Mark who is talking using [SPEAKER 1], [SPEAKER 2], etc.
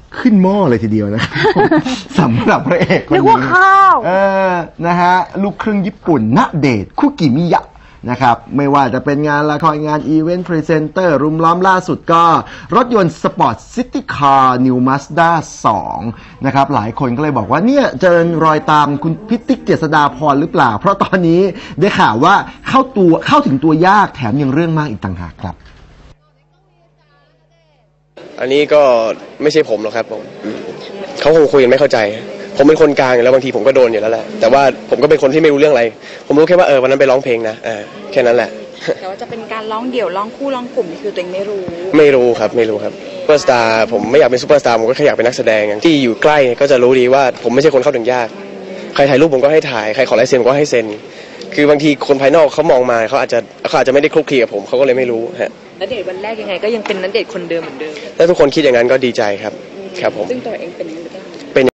[SPEAKER 1] ขึ้นหม้อเลยทีเดียวนะครับสำหรับพระเอกคน
[SPEAKER 2] นึ
[SPEAKER 1] นี้
[SPEAKER 2] กว่าข้าว
[SPEAKER 1] นะฮะลูกครึ่งญี่ปุ่นณเดชน์คุกิมิยะนะครับไม่ว่าจะเป็นงานละครงานอีเวนต์พรีเซนเตอร์รุมล้อมล่าสุดก็รถยนต์สปอร์ตซิตี้คาร์นิวมาสด้า2นะครับหลายคนก็เลยบอกว่าเนี่ยเจริญรอยตามคุณพิติกเจษฎาพรหรือเปล่าเพราะตอนนี้ได้ข่าวว่าเข้าถึงตัวยากแถมยังเรื่องมากอีกต่างหากครับ
[SPEAKER 3] อันนี้ก็ไม่ใช่ผมหรอกครับผมเขาคงคุยกันไม่เข้าใจผมเป็นคนกลางอยู่แล้วบางทีผมก็โดนอยู่แล้วแหละแต่ว่าผมก็เป็นคนที่ไม่รู้เรื่องอะไรผมรู้แค่ว่าวันนั้นไปร้องเพลงนะแค่นั้นแหละ
[SPEAKER 2] แต่ว่าจะเป็นการร้องเดี่ยวร้องคู่ร้องกลุ่มนี่คือตัวเองไม่รู้
[SPEAKER 3] ครับซูเปอร์สตาร์ผมไม่อยากเป็นซูเปอร์สตาร์ผมก็แค่อยากเป็นนักแสดงที่อยู่ใกล้ก็จะรู้ดีว่าผมไม่ใช่คนเข้าถึงยากใครถ่ายรูปผมก็ให้ถ่ายใครขอลายเซ็นผมก็ให้เซ็นคือบางทีคนภายนอกเขามองมาเขาอาจจะไม่ได้คลุกคลีกับผมเขาก็เลยไม่รู้ฮะ
[SPEAKER 2] ณเดชน์วันแรกยังไงก็ยังเป็นณเดชน์คนเดิมเหมือนเดิม
[SPEAKER 3] ถ้าทุกคนคิดอย่างนั้นก็ดีใจครับผม
[SPEAKER 2] ซึ่งตัวเองเป็น